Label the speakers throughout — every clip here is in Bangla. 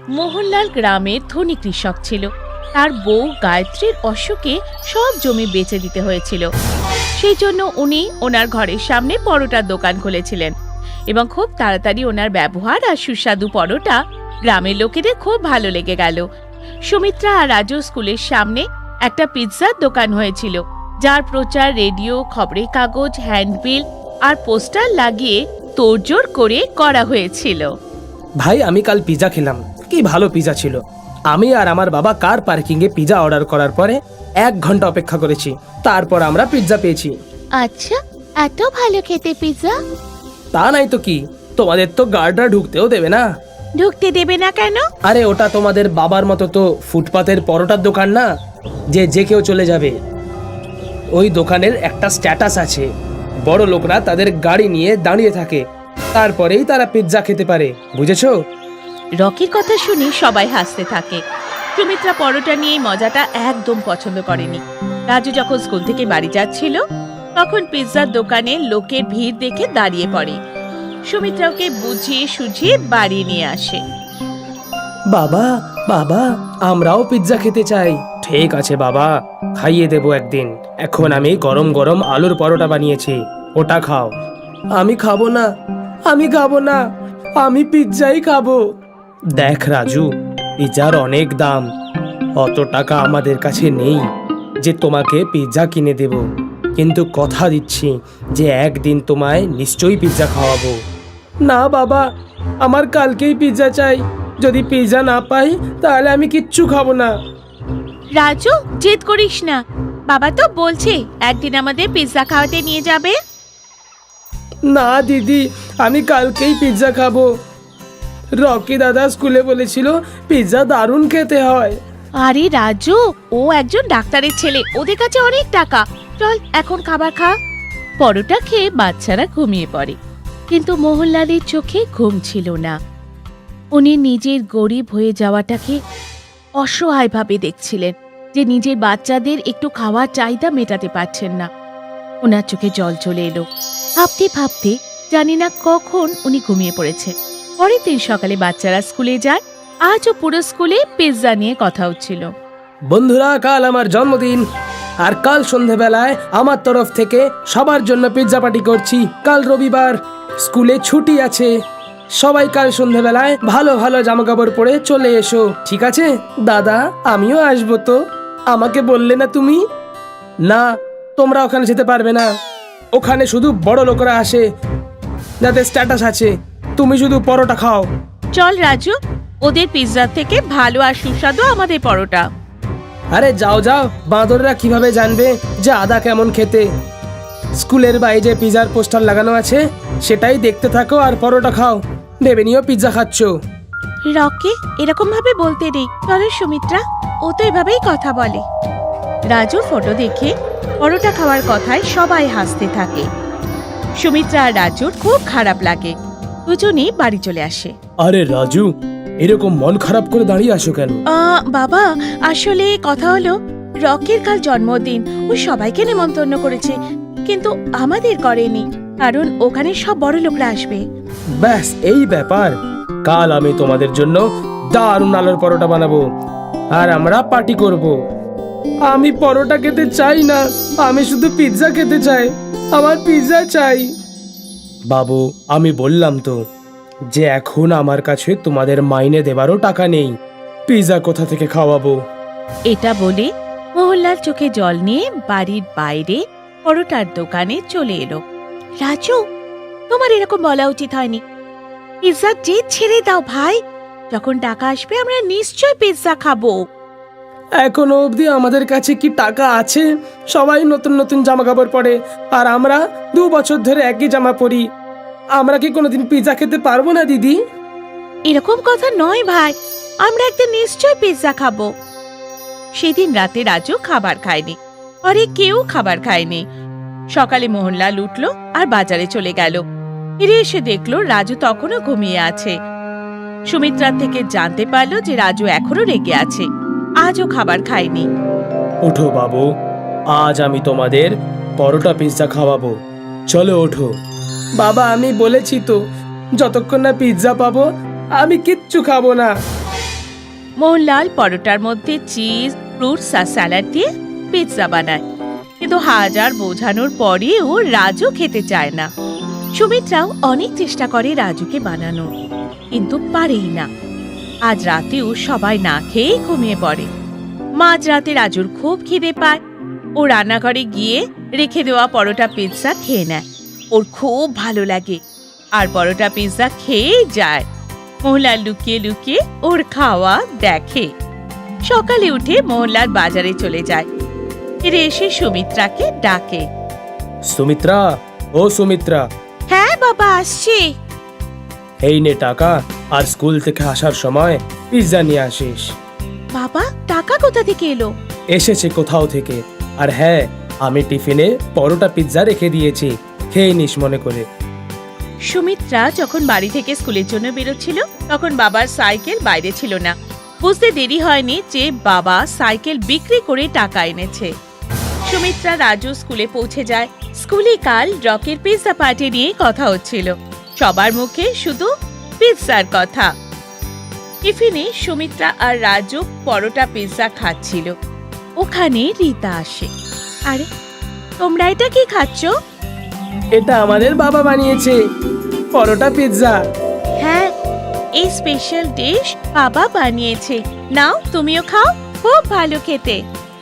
Speaker 1: মোহনলাল গ্রামের ধনী কৃষক ছিল। তার বউ গায়ত্রীর অসুখে সব জমি বেচে দিতে হয়েছিল। সেই জন্য উনি ওনার ঘরের সামনে পরোটার দোকান খুলেছিলেন এবং খুব তাড়াতাড়ি ওনার ব্যবহার আর সুস্বাদু পরোটা গ্রামের লোকেদের খুব ভালো লেগে গেল। সুমিত্রা আর রাজু স্কুলের সামনে একটা পিৎজার দোকান হয়েছিল, যার প্রচার রেডিও, খবরের কাগজ, হ্যান্ডবিল আর পোস্টার লাগিয়ে তোড়জোড় করে করা হয়েছিল।
Speaker 2: ভাই, আমি কাল পিৎজা খেলাম, কি ভালো পিৎজা ছিল। আমি আর আমার বাবা কার পার্কিং এ পিৎজা অর্ডার করার পরে 1 ঘন্টা অপেক্ষা করেছি, তারপর আমরা পিৎজা পেয়েছি।
Speaker 1: আচ্ছা, এত ভালো খেতে পিৎজা?
Speaker 2: তা নাই তো কি, তোমাদের তো গার্ডরা ঢুকতেও দেবে না।
Speaker 1: ঢুকতে দেবে না কেন?
Speaker 2: আরে ওটা তোমাদের বাবার মতো তো ফুটপাতের পরোটার দোকান না, যে কেউ চলে যাবে। ওই দোকানের একটা স্ট্যাটাস আছে, বড় লোকরা তাদের গাড়ি নিয়ে দাঁড়িয়ে থাকে, তারপরেই তারা পিৎজা খেতে পারে, বুঝেছো?
Speaker 1: রকির কথা শুনে সবাই হাসতে থাকে। সুমিত্রা পরোটা নিয়ে মজাটা একদম পছন্দ করেনি। রাজু যখন স্কুল থেকে বাড়ি যাচ্ছিল, তখন পিৎজার দোকানে লোকের ভিড় দেখে দাঁড়িয়ে পড়ে। সুমিত্রা ওকে বুঝিয়ে সুঝিয়ে বাড়ি নিয়ে আসে।
Speaker 2: বাবা বাবা, আমরাও পিৎজা খেতে চাই। ঠিক আছে বাবা, খাইয়ে দেবো একদিন। এখন আমি গরম গরম আলুর পরোটা বানিয়েছি, ওটা খাও। আমি খাবো না, আমি খাবো না, আমি পিৎজাই খাবো। দেখ রাজু, পিৎজার অনেক দাম, অত টাকা আমাদের কাছে নেই যে তোমাকে পিৎজা কিনে দেব, কিন্তু কথা দিচ্ছি যে একদিন তোমায় নিশ্চয়ই পিৎজা খাওয়াবো। না বাবা, আমার কালকেই পিৎজা চাই। যদি পিৎজা না পাই তাহলে আমি কিচ্ছু খাবো না।
Speaker 1: রাজু, জেদ করিস না, বাবা তো বলছে একদিন আমাদের পিৎজা খাওয়াতে নিয়ে যাবে।
Speaker 2: না দিদি, আমি কালকেই পিৎজা খাবো। রকি দাদা স্কুলে বলেছিল পিৎজা দারুণ খেতে হয়।
Speaker 1: আরে রাজু, ও একজন ডাক্তারের ছেলে, ওদের কাছে অনেক টাকা। চল এখন খাবার খা। পরোটা খেয়ে বাচ্চারা ঘুমিয়ে পড়ে, কিন্তু মোহনলালের চোখে ঘুম ছিল না। উনি নিজের গরিব হয়ে যাওয়াটাকে অসহায়ভাবে দেখছিলেন, যে নিজের বাচ্চাদের একটু খাওয়ার চাহিদা মেটাতে পারছেন না। ওনার চোখে জল চলে এলো। ভাবতে ভাবতে জানি না কখন উনি ঘুমিয়ে পড়েছে। পরের দিন সকালে বাচ্চারা স্কুলে যায়। আজও পুরো স্কুলে পিৎজা নিয়ে কথা হচ্ছিল।
Speaker 2: বন্ধুরা, কাল আমার জন্মদিন, আর কাল সন্ধেবেলায় আমার তরফ থেকে সবার জন্য পিৎজা পার্টি করছি। কাল রবিবার, স্কুলে ছুটি আছে। সবাই কাল সন্ধেবেলায় ভালো ভালো জামা কাপড় পরে চলে এসো, ঠিক আছে? দাদা, আমিও আসবো তো, আমাকে বললে না তুমি? না, তোমরা ওখানে যেতে পারবে না, ওখানে শুধু বড় লোকরা আসে, যাদের স্ট্যাটাস আছে। তুমি শুধু পরোটা খাও।
Speaker 1: চল রাজু, ওদের পিৎজা থেকে ভালো আর সুস্বাদু আমাদের পরোটা।
Speaker 2: আরে যাও যাও, বাঁদররা কিভাবে জানবে যে আদা কেমন খেতে? স্কুলের বাইরে যে পিৎজার পোস্টার লাগানো আছে সেটাই দেখতে থাকো আর পরোটা খাও, ভেবে নিও পিৎজা খাচ্ছ।
Speaker 1: রকি, এরকম ভাবে বলতে নেই, চলো সুমিত্রা, ও তো এভাবেই কথা বলে। রাজুর ফটো দেখে পরোটা খাওয়ার কথায় সবাই হাসতে থাকে। সুমিত্রা আর রাজুর খুব খারাপ লাগে। দুজনেই বাড়ি চলে আসে।
Speaker 2: আরে রাজু, এরকম মন খারাপ করে দাঁড়িয়ে আসো কেন?
Speaker 1: বাবা, আসলে কথা হলো, রকির কাল জন্মদিন, ও সবাইকে নেমন্তন্ন করেছে, কিন্তু আমাদের করেনি, কারণ ওখানে সব বড় লোকরা আসবে।
Speaker 2: ব্যাস এই ব্যাপার। কাল আমি তোমাদের জন্য দারুণ আলুর পরোটা বানাবো আর আমরা পার্টি করব। আমি পরোটা খেতে চাই না, আমি শুধু পিৎজা খেতে চাই, আমার পিৎজা চাই। বাবু, আমি বললাম তো যে এখন আমার কাছে তোমাদের মাইনে দেবারও টাকা নেই, পিৎজা কোথা থেকে খাওয়াবো?
Speaker 1: এটা বলে মোহনলাল চোখে জল নিয়ে বাড়ির বাইরে পরোটার দোকানে চলে এলো। রাজু, তোমার এরকম বলা উচিত হয়নি। পিৎজা জেদ ছেড়ে দাও ভাই, যখন টাকা আসবে আমরা নিশ্চয় পিৎজা খাবো।
Speaker 2: এখনো অবধি আমাদের কাছে কি টাকা আছে? সবাই নতুন নতুন জামা কাপড় পরে, আর আমরা 2 বছর ধরে একই জামা পরি। আমরা কি কোনোদিন পিৎজা খেতে পারবো না দিদি?
Speaker 1: এরকম কথা নয় ভাই, আমরা একদিন নিশ্চয় পিৎজা খাবো। সেদিন রাতে রাজু খাবার খায়নি, পরে কেউ খাবার খায়নি। সকালে মোহনলাল উঠলো আর বাজারে চলে গেল। ফিরে এসে দেখলো রাজু তখনও ঘুমিয়ে আছে। সুমিত্রার থেকে জানতে পারলো যে রাজু এখনো রেগে আছে, আজও খাবার খায়নি।
Speaker 2: ওঠো বাবু, আজ আমি তোমাদের পরোটা পিৎজা খাওয়াবো, চলো ওঠো। বাবা, আমি বলেছি তো, যতক্ষণ না পিৎজা পাবো আমি কিচ্ছু খাবো না।
Speaker 1: মোহনলাল পরোটার মধ্যে চিজ, ফ্রুটস আর স্যালাড দিয়ে পিৎজা বানায়, কিন্তু হাজার বোঝানোর পরেও রাজু খেতে চায় না। সুমিত্রাও অনেক চেষ্টা করে রাজুকে বানানো, কিন্তু পারেই না। আজ রাতেও সবাই না খেয়ে ঘুমিয়ে পড়ে। মাঝ রাতে রাজুর খুব খিদে পায়। ও রান্নাঘরে গিয়ে রেখে দেওয়া পরোটা পিৎজা খেয়ে নেয়। ওর খুব ভালো লাগে আর পরোটা পিৎজা খেয়েই যায়। মোহনলাল লুকিয়ে লুকিয়ে ওর খাওয়া দেখে। সকালে উঠে মোহনলাল বাজারে চলে যায়। ফিরে এসে সুমিত্রাকে ডাকে।
Speaker 2: সুমিত্রা, ও সুমিত্রা,
Speaker 1: হ্যাঁ বাবা, আসছি।
Speaker 2: এই নে টাকা, আর স্কুল থেকে আসার সময় পিৎজা নিয়ে আসিস।
Speaker 1: বাবা, টাকা কোথা থেকে এলো?
Speaker 2: এসেছে কোথাও থেকে। আর হ্যাঁ, আমি টিফিনে পরোটা পিৎজা রেখে দিয়েছি, খেয়ে নিস মনে করে।
Speaker 1: সুমিত্রা যখন বাড়ি থেকে স্কুলের জন্য বেরোচ্ছিল তখন বাবার সাইকেল বাইরে ছিল না। বুঝতে দেরি হয়নি যে বাবা সাইকেল বিক্রি করে টাকা এনেছে। সুমিত্রা রাজু স্কুলে পৌঁছে যায়। স্কুলে কাল রকের পিৎজা পার্টি নিয়ে কথা হচ্ছিল। সবার মুখে শুধু পিৎজার কথা। টিফিনে সুমিত্রা আর রাজু পরোটা পিৎজা খাচ্ছিল। ওখানে রীতা আসে। আরে, তোমরা এটা কি খাচ্ছ?
Speaker 2: এটা আমাদের বাবা বানিয়েছে, পরোটা পিৎজা।
Speaker 1: হ্যাঁ, এই স্পেশাল ডিশ বাবা বানিয়েছে। নাও, তুমিও খাও, খুব ভালো খেতে।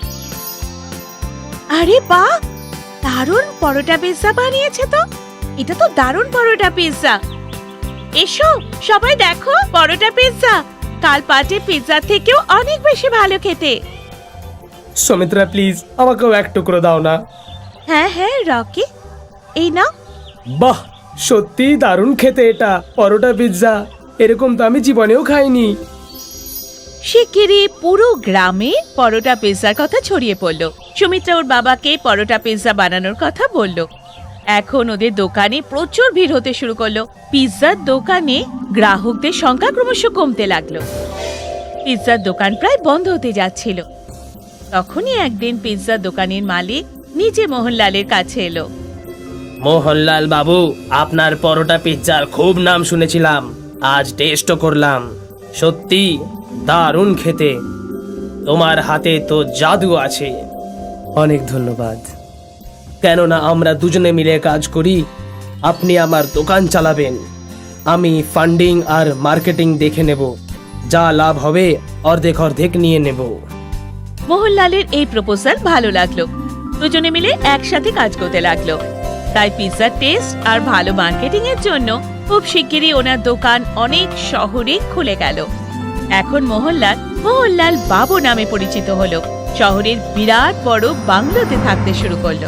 Speaker 1: আরে বাহ, দারুণ পরোটা পিৎজা বানিয়েছে তো। এটা তো দারুণ পরোটা পিৎজা। এসো সবাই দেখো পরোটা পিৎজা। কাল পার্টি পিৎজা থেকেও অনেক বেশি ভালো খেতে।
Speaker 2: সুমিত্রা প্লিজ, আমাকেও এক টুকরো দাও না।
Speaker 1: হ্যাঁ হ্যাঁ রকি, এই নাও।
Speaker 2: বাহ, সত্যি দারুণ খেতে এটা পরোটা পিৎজা। এরকম তো আমি জীবনেও খাইনি।
Speaker 1: শিগগিরই পুরো গ্রামে পরোটা পিৎজার কথা ছড়িয়ে পড়ল। সুমিত্রা ওর বাবাকে পরোটা পিৎজা বানানোর কথা বলল। এখন ওদের দোকানে প্রচুর ভিড় হতে শুরু করলো। পিৎজার দোকানে গ্রাহকদের সংখ্যা ক্রমশ কমতে লাগলো। পিৎজার দোকান প্রায় বন্ধ হতে যাচ্ছিল। তখনই একদিন পিৎজার দোকানের মালিক নিজে মোহনলালের কাছে এলো।
Speaker 2: মোহনলাল বাবু, আপনার পরোটা পিৎজার খুব নাম শুনেছিলাম, আজ টেস্টও করলাম। সত্যি দারুণ খেতে। তোমার হাতে তো জাদু আছে। অনেক ধন্যবাদ। কেননা আমরা দুজনে মিলে কাজ করি। আপনি আমার দোকান চালাবেন, আমি ফান্ডিং আর মার্কেটিং দেখে নেব। যা লাভ হবে অর্ধেক অর্ধেক নিয়ে নেব।
Speaker 1: মোহনলালের এই প্রপোজাল ভালো লাগলো। দুজনে মিলে একসাথে কাজ করতে লাগলো। তাই পিৎজার টেস্ট আর ভালো মার্কেটিং এর জন্য খুব শিগগিরই ওনার দোকান অনেক শহরে খুলে গেল। এখন মোহনলাল বাবু নামে পরিচিত হলো। শহরের বিরাট বড় বাংলোতে থাকতে শুরু করলো।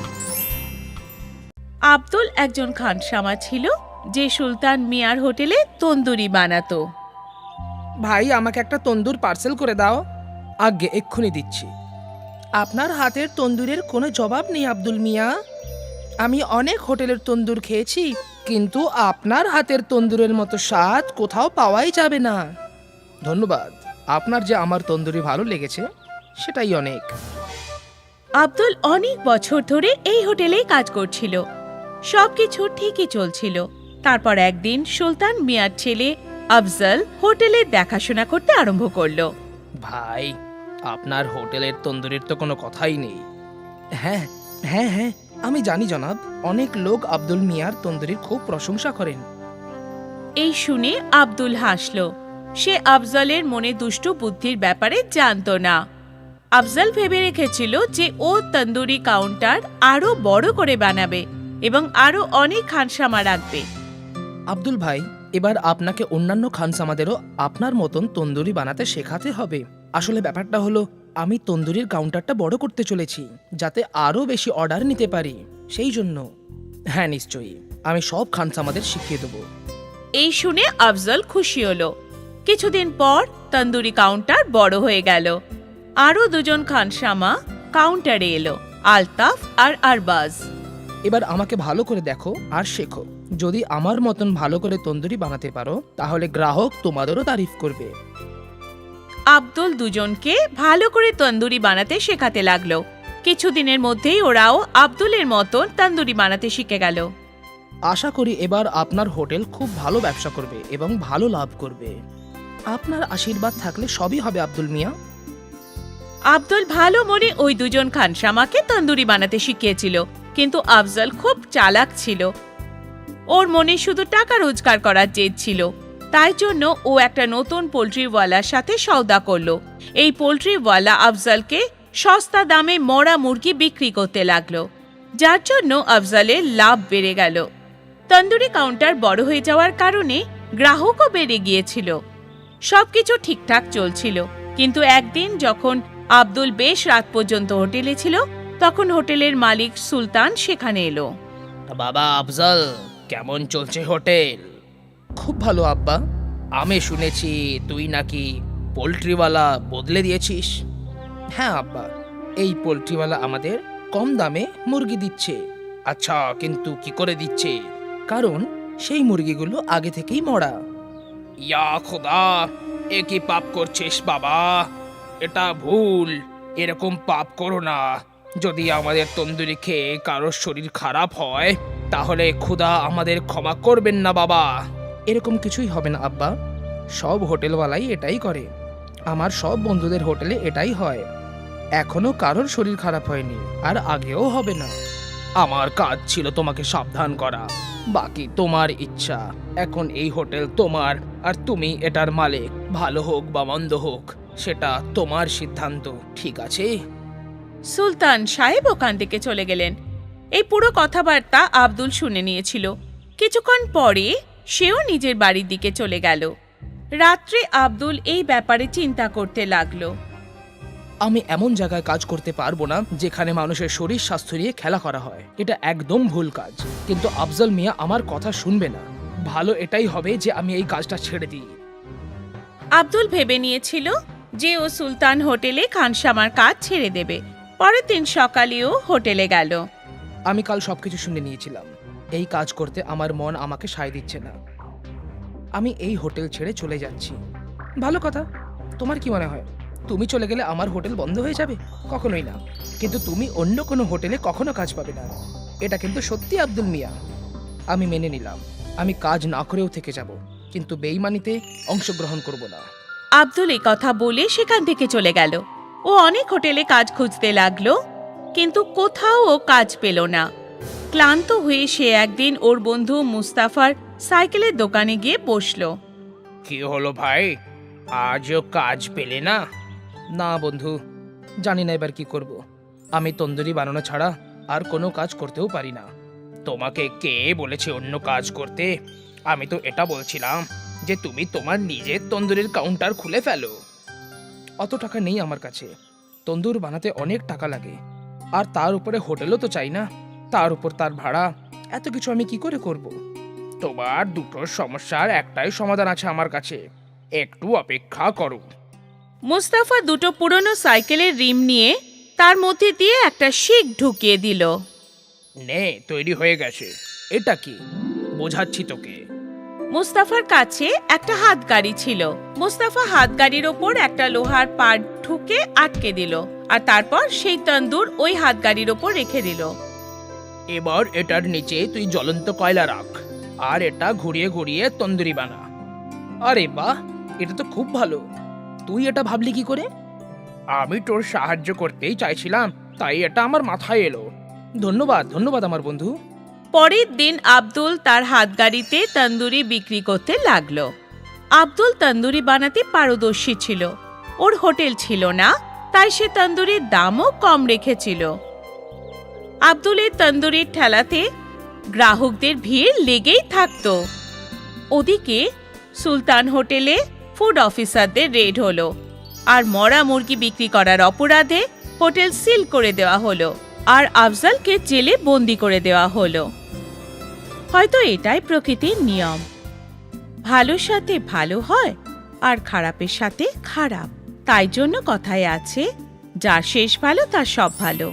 Speaker 1: আব্দুল একজন খানসামা ছিল যে সুলতান মিয়ার হোটেলে তন্দুরি বানাতো।
Speaker 3: ভাই, আমাকে একটা তন্দুর পার্সেল করে দাও। আগে এক্ষুনি দিচ্ছি। আপনার হাতের তন্দুরের কোনো জবাব নেই আব্দুল মিয়া। আমি অনেক হোটেলের তন্দুর খেয়েছি, কিন্তু আপনার হাতের তন্দুরের মতো স্বাদ কোথাও পাওয়াই যাবে না। ধন্যবাদ, আপনার যে আমার তন্দুরি ভালো লেগেছে সেটাই অনেক।
Speaker 1: আব্দুল অনেক বছর ধরে এই হোটেলেই কাজ করছিল। সবকিছু ঠিকই চলছিল। তারপর একদিন সুলতান মিয়ার ছেলে আফজল হোটেলে দেখাশোনা করতে আরম্ভ করলো।
Speaker 3: ভাই, আপনার হোটেলের তন্দুরির তো কোনো কথাই নেই। হ্যাঁ হ্যাঁ হ্যাঁ, আমি জানি জনাব। অনেক লোক আব্দুল মিয়ার তন্দুরির খুব প্রশংসা করেন।
Speaker 1: এই শুনে আব্দুল হাসলো। সে আফজলের মনে দুষ্টু বুদ্ধির ব্যাপারে জানতো না। আফজল ভেবে রেখেছিল যে ও তন্দুরি কাউন্টার আরো বড় করে বানাবে এবং আরো অনেক খানসামা রাখবে।
Speaker 3: আব্দুল ভাই, এবার আপনাকে অন্যান্য খানসামাদেরও আপনার মতন তন্দুরি বানাতে শেখাতে হবে। আসলে ব্যাপারটা হলো, আমি তন্দুরির কাউন্টারটা বড় করতে চলেছি যাতে আরো বেশি অর্ডার নিতে পারি, সেই জন্য। হ্যাঁ নিশ্চয়ই, আমি সব খানসামাদের শিখিয়ে দেবো।
Speaker 1: এই শুনে আফজল খুশি হলো। কিছুদিন পর তন্দুরি কাউন্টার বড় হয়ে গেল। আরো দুজন খানসামা কাউন্টারে এলো, আলতাফ আর আরবাজ।
Speaker 3: এবার আমাকে ভালো করে দেখো আর শেখো। যদি আমার মতন ভালো করে তন্দুরি বানাতে পারো তাহলে গ্রাহক তোমাদেরও তারিফ করবে।
Speaker 1: আব্দুল দুজনকে ভালো করে তন্দুরি বানাতে শেখাতে লাগলো। কিছুদিনের মধ্যেই ওরাও আব্দুলের মতন তন্দুরি বানাতে শিখে গেল।
Speaker 3: আশা করি এবার আপনার হোটেল খুব ভালো ব্যবসা করবে এবং ভালো লাভ করবে। আপনার আশীর্বাদ থাকলে সবই হবে আব্দুল মিয়া।
Speaker 1: আব্দুল ভালো মনে ওই দুজন খানসামাকে তন্দুরি বানাতে শিখিয়েছিল, কিন্তু আফজল খুব চালাক ছিল। ওর মনে শুধু টাকা রোজগার করার জেদ ছিল। তাই জন্য ও একটা নতুন পোল্ট্রিওয়ালার সাথে সওদা করলো। এই পোল্ট্রিওয়ালা আফজলকে সস্তা দামে মরা মুরগি বিক্রি করতে লাগলো, যার জন্য আফজলের লাভ বেড়ে গেল। তন্দুরি কাউন্টার বড় হয়ে যাওয়ার কারণে গ্রাহকও বেড়ে গিয়েছিল। সবকিছু ঠিকঠাক চলছিল, কিন্তু একদিন যখন আব্দুল বেশ রাত পর্যন্ত হোটেলে ছিল, তখন হোটেলের মালিক সুলতান সেখানে এলো।
Speaker 3: বাবা আফজল, কেমন চলছে হোটেল? খুব ভালো আব্বা। আমি শুনেছি তুই নাকি পোল্ট্রিওয়ালা বদলে দিয়েছিস। হ্যাঁ আব্বা, এই পোল্ট্রিওয়ালা আমাদের কম দামে মুরগি দিচ্ছে। আচ্ছা, কিন্তু কি করে দিচ্ছে? কারণ সেই মুরগিগুলো আগে থেকেই মরা। ইয়া খোদা, এ কি পাপ করছিস বাবা? এটা ভুল, এরকম পাপ করো না। যদি আমাদের তন্দুরি খেয়ে কারোর শরীর খারাপ হয়, তাহলে খোদা আমাদের ক্ষমা করবেন না বাবা। এরকম কিছুই হবে না আব্বা, সব হোটেলওয়ালাই এটাই করে। আমার সব বন্ধুদের হোটেলে এটাই হয়। এখনো কারোর শরীর খারাপ হয়নি, আর আগেও হবে না। আমার কাজ ছিল তোমাকে সাবধান করা, বাকি তোমার ইচ্ছা। এখন এই হোটেল তোমার, আর তুমি এটার মালিক। ভালো হোক বা মন্দ হোক, সেটা তোমার সিদ্ধান্ত, ঠিক আছে?
Speaker 1: সুলতান সাহেব ওখান থেকে চলে গেলেন। এই পুরো কথাবার্তা আব্দুল শুনে নিয়েছিল। কিছুক্ষণ পরে সেও নিজের বাড়ির দিকে চলে গেল। রাত্রে আব্দুল এই ব্যাপারে চিন্তা করতে লাগলো।
Speaker 3: আমি এমন জায়গায় কাজ করতে পারবো না যেখানে মানুষের শরীর স্বাস্থ্য নিয়ে খেলা করা হয়। এটা একদম ভুল কাজ। কিন্তু আফজল মিয়া আমার কথা শুনবে না। ভালো এটাই হবে যে আমি এই কাজটা ছেড়ে দিই।
Speaker 1: আব্দুল ভেবে নিয়েছিল যে ও সুলতান হোটেলে খানসামার কাজ ছেড়ে দেবে। পরের দিন সকালেও হোটেলে গেল।
Speaker 3: আমি কাল সবকিছু শুনে নিয়েছিলাম। এই কাজ করতে আমার মন আমাকে সায় দিচ্ছে না। আমি এই হোটেল ছেড়ে চলে যাচ্ছি। ভালো কথা। তোমার কি মনে হয়, তুমি চলে গেলে আমার হোটেল বন্ধ হয়ে যাবে? কখনোই না। কিন্তু তুমি অন্য কোনো হোটেলে কখনো কাজ পাবে না। এটা কিন্তু সত্যি আব্দুল মিয়া। আমি মেনে নিলাম, আমি কাজ না করেও থেকে যাব, কিন্তু বেইমানিতে অংশগ্রহণ করব না।
Speaker 1: আব্দুল এই কথা বলে সেখান থেকে চলে গেল। ও অনেক হোটেলে কাজ খুঁজতে লাগলো, কিন্তু কোথাও ও কাজ পেল না। ক্লান্ত হয়ে সে একদিন ওর বন্ধু মুস্তাফার সাইকেলের দোকানে গিয়ে বসলো।
Speaker 3: কি হলো ভাই, আজও কাজ পেলে না? না বন্ধু, জানি না এবার কি করব। আমি তন্দুরি বানানো ছাড়া আর কোনো কাজ করতেও পারি না। তোমাকে কে বলেছে অন্য কাজ করতে? আমি তো এটা বলছিলাম যে তুমি তোমার নিজের তন্দুরির কাউন্টার খুলে ফেলো। অত টাকা নেই আমার কাছে। তন্দুর বানাতে অনেক টাকা লাগে, আর তার উপরে হোটেলও তো চাই না। তার উপর তার ভাড়া, এত কিছু আমি কি করে করব? তোমার দুটো সমস্যার একটাই সমাধান আছে আমার কাছে, একটু অপেক্ষা করো।
Speaker 1: মুস্তাফা দুটো পুরনো সাইকেলের রিম নিয়ে তার মধ্যে দিয়ে একটা শিক ঢুকিয়ে দিল।
Speaker 3: নে, তৈরি হয়ে গেছে। এটা কি? বোঝাচ্ছি তোকে।
Speaker 1: মুস্তাফার কাছে একটা হাতগাড়ি ছিল। মুস্তাফা হাতগাড়ির ওপর একটা লোহার পাট ঠুকে আটকে দিল, আর তারপর সেই তন্দুর ওই হাতগাড়ির ওপর রেখে দিল।
Speaker 3: এবার এটার নিচে তুই জ্বলন্ত কয়লা রাখ, আর এটা ঘুরিয়ে ঘুরিয়ে তন্দুরি বানা। আরে বাহ, এটা তো খুব ভালো। তুই এটা ভাবলি কি করে? আমি তোর সাহায্য করতেই চাইছিলাম, তাই এটা আমার মাথায় এলো। ধন্যবাদ ধন্যবাদ আমার বন্ধু।
Speaker 1: পরের দিন আব্দুল তার হাতগাড়িতে তন্দুরি বিক্রি করতে লাগলো। আব্দুল তন্দুরি বানাতে পারদর্শী ছিল। ওর হোটেল ছিল না, তাই সে তন্দুরির দামও কম রেখেছিল। আব্দুলের তন্দুরির ঠেলাতে গ্রাহকদের ভিড় লেগেই থাকতো। ওদিকে সুলতান হোটেলে ফুড অফিসারদের রেড হলো, আর মরা মুরগি বিক্রি করার অপরাধে হোটেল সিল করে দেওয়া হলো, আর আফজলকে জেলে বন্দি করে দেওয়া হলো। হয়তো এটাই প্রকৃতির নিয়ম। ভালোর সাথে ভালো হয়, আর খারাপের সাথে খারাপ। তাই জন্য কথায় আছে, যার শেষ ভালো তার সব ভালো।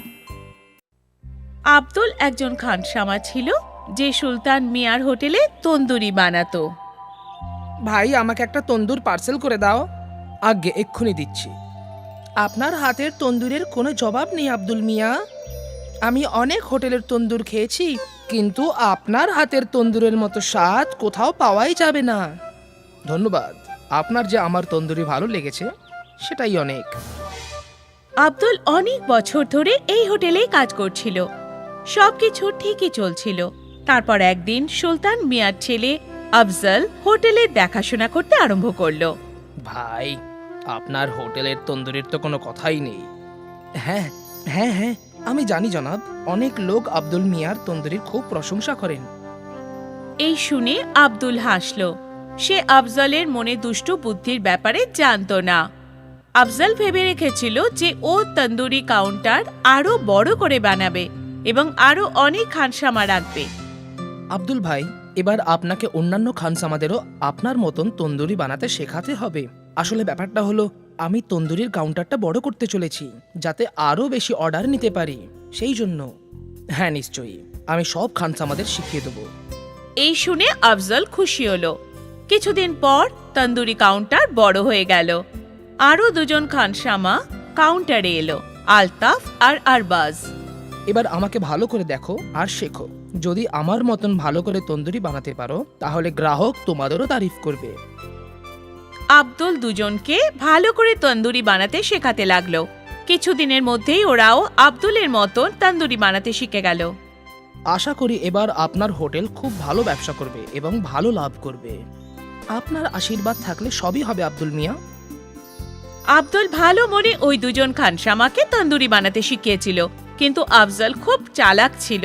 Speaker 1: আব্দুল একজন খানসামা ছিল, যে সুলতান মিয়ার হোটেলে তন্দুরি বানাতো।
Speaker 3: ভাই, আমাকে একটা তন্দুর পার্সেল করে দাও। আগে এক্ষুনি দিচ্ছি। আপনার হাতের তন্দুরের কোনো জবাব নেই আব্দুল মিয়া। আমি অনেক হোটেলের তন্দুর খেয়েছি, কিন্তু আপনার হাতের তন্দুরের মতো স্বাদ কোথাও পাওয়াই যাবে না। ধন্যবাদ। আপনার যে আমার তন্দুরি ভালো লেগেছে সেটাই অনেক।
Speaker 1: আব্দুল অনেক বছর ধরে এই হোটেলেই কাজ করছিল। সবকিছু ঠিকই চলছিল। তারপর একদিন সুলতান মিয়ার ছেলে আফজল হোটেলের দেখাশোনা করতে আরম্ভ করলো।
Speaker 3: ভাই, আপনার হোটেলের তন্দুরির তো কোনো কথাই নেই। হ্যাঁ হ্যাঁ হ্যাঁ, আমি জানি জনাব, অনেক লোক আব্দুল মিয়ার তন্দুরির খুব প্রশংসা করেন।
Speaker 1: এই শুনে আব্দুল হাসল। সে আফজলের মনে দুষ্টু বুদ্ধির ব্যাপারে জানতো না। আফজল ভেবে রেখেছিল যে ও তন্দুরি কাউন্টার আরো বড় করে বানাবে এবং আরো অনেক খানসামা রাখবে।
Speaker 3: আব্দুল ভাই, এবার আপনাকে অন্যান্য খানসামাদেরও আপনার মতন তন্দুরি বানাতে শেখাতে হবে। আসলে ব্যাপারটা হলো, আমি তন্দুরির কাউন্টারটা বড় করতে চলেছি যাতে আরো বেশি অর্ডার নিতে পারি, সেই জন্য। হ্যাঁ নিশ্চয়ই, আমি সব খানসামাদের শিখিয়ে দেবো।
Speaker 1: এই শুনে আফজল খুশি হলো। কিছুদিন পর তন্দুরি কাউন্টার বড় হয়ে গেল। আরো দুজন খানসামা কাউন্টারে এলো, আলতাফ আর আরবাজ।
Speaker 3: এবার আমাকে ভালো করে দেখো আর শেখো। যদি আমার মতন ভালো করে তন্দুরি বানাতে পারো তাহলে গ্রাহক তোমাদেরও তারিফ করবে।
Speaker 1: আব্দুল দুজনকে ভালো করে তন্দুরি বানাতে শেখাতে লাগলো। কিছুদিনের মধ্যেই ওরাও আব্দুলের মতন তন্দুরি বানাতে শিখে গেল।
Speaker 3: আশা করি এবার আপনার হোটেল খুব ভালো ব্যবসা করবে এবং ভালো লাভ করবে। আপনার আশীর্বাদ থাকলে সবই হবে আব্দুল মিয়া।
Speaker 1: আব্দুল ভালো মনে ওই দুজন খানসামাকে তন্দুরি বানাতে শিখিয়েছিল, কিন্তু আফজল খুব চালাক ছিল।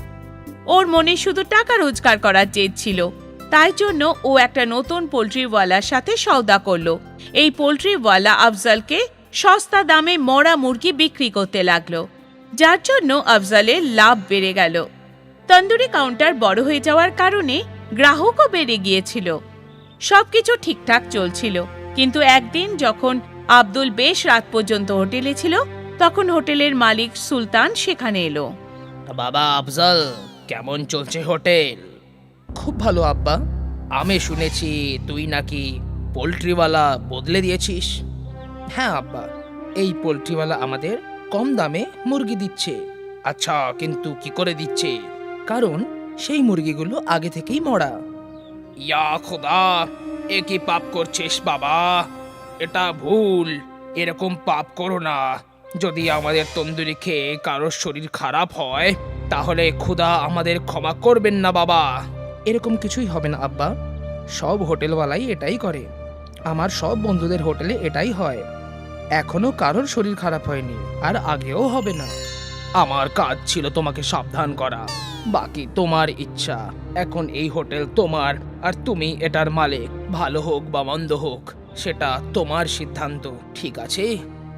Speaker 1: ওর মনে শুধু টাকা রোজগার করার জেদ ছিল। তাই জন্য ও একটা নতুন পোল্ট্রিওয়ালার সাথে সওদা করলো। এই পোল্ট্রিওয়ালা আফজলকে সস্তা দামে মরা মুরগি বিক্রি করতে লাগলো, যার জন্য আফজলের লাভ বেড়ে গেল। তন্দুরি কাউন্টার বড় হয়ে যাওয়ার কারণে গ্রাহকও বেড়ে গিয়েছিল। সবকিছু ঠিকঠাক চলছিল, কিন্তু একদিন যখন আব্দুল বেশ রাত পর্যন্ত হোটেলে ছিল, তখন হোটেলের মালিক সুলতান সেখানে এলো।
Speaker 3: বাবা আফজল, কেমন চলছে হোটেল? খুব ভালো আব্বা। আমি শুনেছি তুই নাকি পোল্ট্রিওয়ালা বদলে দিয়েছিস। হ্যাঁ আব্বা, এই পোল্ট্রিওয়ালা আমাদের কম দামে মুরগি দিচ্ছে। আচ্ছা, কিন্তু কি করে দিচ্ছে? কারণ সেই মুরগিগুলো আগে থেকেই মরা। ইয়া খোদা, এ কি পাপ করছিস বাবা? এটা ভুল, এরকম পাপ করো না। যদি আমাদের তন্দুরি খেয়ে কারোর শরীর খারাপ হয় তাহলে খোদা আমাদের ক্ষমা করবেন না বাবা। এরকম কিছুই হবে না আব্বা, সব হোটেলওয়ালাই এটাই করে। আমার সব বন্ধুদের হোটেলে এটাই হয়। এখনো কারোর শরীর খারাপ হয়নি, আর আগেও হবে না। আমার কাজ ছিল তোমাকে সাবধান করা, বাকি তোমার ইচ্ছা। এখন এই হোটেল তোমার, আর তুমি এটার মালিক। ভালো হোক বা মন্দ হোক সেটা তোমার সিদ্ধান্ত, ঠিক আছে?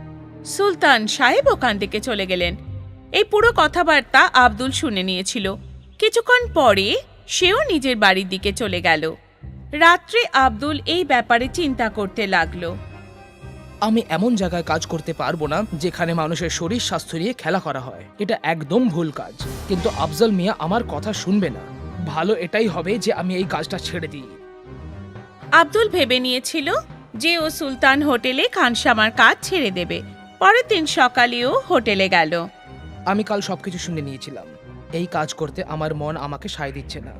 Speaker 1: সুলতান সাহেব ওখান থেকে চলে গেলেন। এই পুরো কথাবার্তা আব্দুল শুনে নিয়েছিল। কিছুক্ষণ পরে সেও নিজের বাড়ির দিকে চলে গেল। রাত্রে আব্দুল এই ব্যাপারে চিন্তা করতে লাগলো।
Speaker 3: আমি এমন জায়গায় কাজ করতে পারবো না যেখানে মানুষের শরীর স্বাস্থ্য নিয়ে খেলা করা হয়। এটা একদম ভুল কাজ। কিন্তু আফজল মিয়া আমার কথা শুনবে না। ভালো এটাই হবে যে আমি এই কাজটা ছেড়ে দিই।
Speaker 1: আব্দুল ভেবে নিয়েছিল যে ও সুলতান হোটেলে খানসামার কাজ ছেড়ে দেবে। পরের দিন সকালেও হোটেলে গেল।
Speaker 3: আমি কাল সবকিছু শুনে নিয়েছিলাম। এই কাজ করতে আমার মন আমাকে সায় দিচ্ছে না।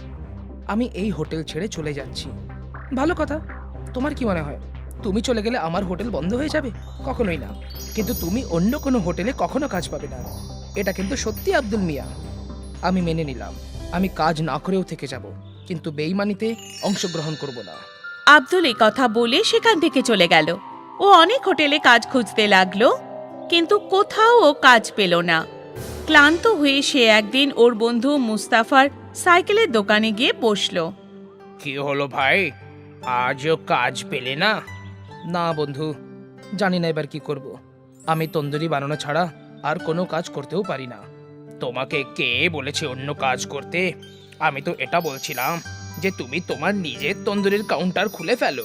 Speaker 3: আমি এই হোটেল ছেড়ে চলে যাচ্ছি। ভালো কথা। তোমার কি মনে হয় তুমি চলে গেলে আমার হোটেল বন্ধ হয়ে যাবে? কখনোই না। কিন্তু তুমি অন্য কোনো হোটেলে কখনো কাজ পাবে না। এটা কিন্তু সত্যি আব্দুল মিয়া। আমি মেনে নিলাম, আমি কাজ না করেও থেকে যাব, কিন্তু বেইমানিতে অংশগ্রহণ করব না।
Speaker 1: আব্দুল এই কথা বলে সেখান থেকে চলে গেল। ও অনেক হোটেলে কাজ খুঁজতে লাগলো, কিন্তু কোথাও ও কাজ পেল না। ক্লান্ত হয়ে সে একদিন ওর বন্ধু মুস্তাফার সাইকেলের দোকানে গিয়ে বসলো।
Speaker 3: কি হলো ভাই, আজও কাজ পেলে না? না বন্ধু, জানি না এবার কি করব। আমি তন্দুরি বানানো ছাড়া আর কোনো কাজ করতেও পারি না। তোমাকে কে বলেছে অন্য কাজ করতে? আমি তো এটা বলছিলাম যে তুমি তোমার নিজের তন্দুরির কাউন্টার খুলে ফেলো।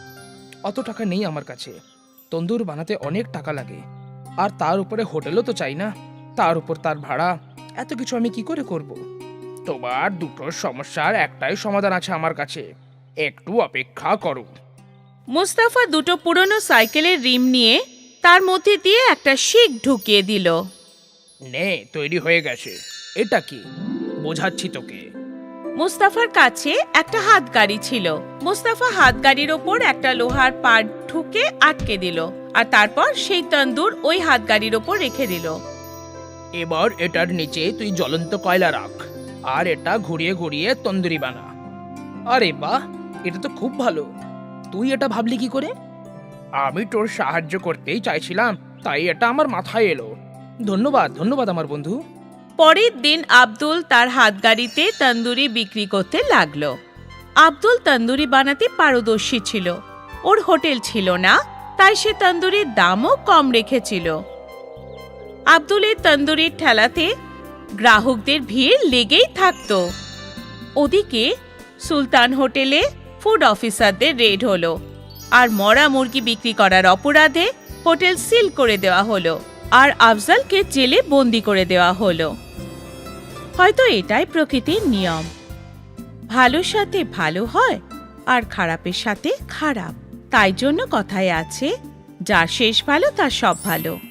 Speaker 3: অত টাকা নেই আমার কাছে। তন্দুর বানাতে অনেক টাকা লাগে, আর তার উপরে হোটেলও তো চাই না। তার উপর তার ভাড়া, এত কিছু আমি কি করে করব? তোমার দুটো সমস্যার একটাই সমাধান আছে আমার কাছে, একটু অপেক্ষা করো।
Speaker 1: মুস্তাফা দুটো পুরনো সাইকেলের রিম নিয়ে তার মধ্যে দিয়ে একটা শিক ঢুকিয়ে দিল।
Speaker 3: নে, তৈরি হয়ে গেছে। এটা কি? বোঝাচ্ছি তোকে।
Speaker 1: মুস্তাফার কাছে একটা হাতগাড়ি ছিল। মুস্তাফা হাতগাড়ির ওপর একটা লোহার পাট ঠুকে আটকে দিল, আর তারপর সেই তন্দুর ওই হাতগাড়ির ওপর রেখে দিল।
Speaker 3: এবার এটার নিচে তুই জ্বলন্ত কয়লা রাখ, আর এটা ঘুরিয়ে ঘুরিয়ে তন্দুরি বানা। আরে বাহ, এটা তো খুব ভালো। তুই এটা ভাবলি কি করে? আমি তোর সাহায্য করতেই চাইছিলাম, তাই এটা আমার মাথায় এলো। ধন্যবাদ ধন্যবাদ আমার বন্ধু।
Speaker 1: পরের দিন আব্দুল তার হাতগাড়িতে তন্দুরি বিক্রি করতে লাগলো। আব্দুল তন্দুরি বানাতে পারদর্শী ছিল। ওর হোটেল ছিল না, তাই সে তন্দুরির দামও কম রেখেছিল। আব্দুলের তন্দুরির ঠেলাতে গ্রাহকদের ভিড় লেগেই থাকতো। ওদিকে সুলতান হোটেলে ফুড অফিসারদের রেড হলো, আর মরা মুরগি বিক্রি করার অপরাধে হোটেল সিল করে দেওয়া হলো, আর আফজালকে জেলে বন্দি করে দেওয়া হলো। হয়তো এটাই প্রকৃতির নিয়ম, ভালোর সাথে ভালো হয় আর খারাপের সাথে খারাপ। তাই জন্য কথায় আছে, যার শেষ ভালো তার সব ভালো।